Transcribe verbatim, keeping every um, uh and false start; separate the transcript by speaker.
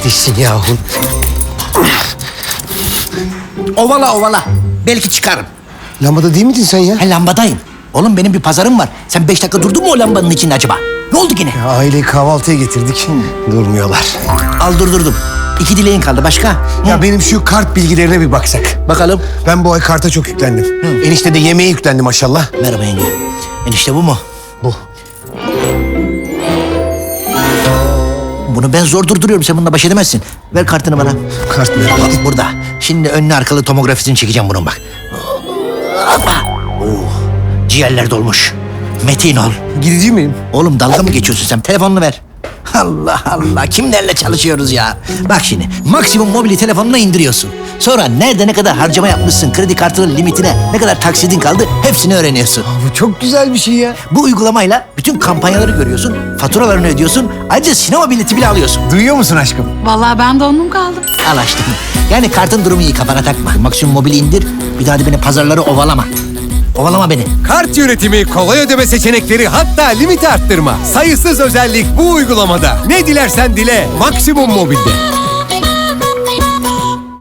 Speaker 1: kardeşsin yahu.
Speaker 2: Ovala ovala. Belki çıkarım.
Speaker 1: Lambada değil miydin sen ya?
Speaker 2: Ha, lambadayım. Oğlum benim bir pazarım var. Sen beş dakika durdun mu o lambanın içinde acaba? Ne oldu yine?
Speaker 1: Ya, aileyi kahvaltıya getirdik. Durmuyorlar.
Speaker 2: Al durdurdum. İki dileğin kaldı. Başka? Hı.
Speaker 1: Ya benim şu kart bilgilerine bir baksak.
Speaker 2: Bakalım.
Speaker 1: Ben bu ay karta çok yüklendim.
Speaker 2: Hı.
Speaker 1: Enişte de yemeğe yüklendi maşallah.
Speaker 2: Merhaba yenge. Enişte bu mu?
Speaker 1: Bu.
Speaker 2: Bunu ben zor durduruyorum. Sen bununla baş edemezsin. Ver kartını bana.
Speaker 1: Kart mı?
Speaker 2: Bak burada. Şimdi önlü arkalı tomografisini çekeceğim bunun bak. Hoppa. Oh, ciğerler dolmuş. Metin ol.
Speaker 1: Gidici miyim?
Speaker 2: Oğlum dalga mı geçiyorsun sen? Telefonunu ver. Allah Allah, kimlerle çalışıyoruz ya? Bak şimdi, maksimum mobili telefonuna indiriyorsun. Sonra nerede ne kadar harcama yapmışsın, kredi kartının limitine, ne kadar taksidin kaldı, hepsini öğreniyorsun.
Speaker 1: Bu çok güzel bir şey ya.
Speaker 2: Bu uygulamayla bütün kampanyaları görüyorsun, faturalarını ödüyorsun, ayrıca sinema bileti bile alıyorsun.
Speaker 1: Duyuyor musun aşkım?
Speaker 3: Vallahi ben dondum kaldım.
Speaker 2: Al açtım. Yani kartın durumu iyi, kafana takma. Maksimum mobili indir, bir daha da beni pazarları ovalama. Ovalama beni.
Speaker 4: Kart yönetimi, kolay ödeme seçenekleri, hatta limit arttırma. Sayısız özellik bu uygulamada. Ne dilersen dile, Maksimum Mobil'de.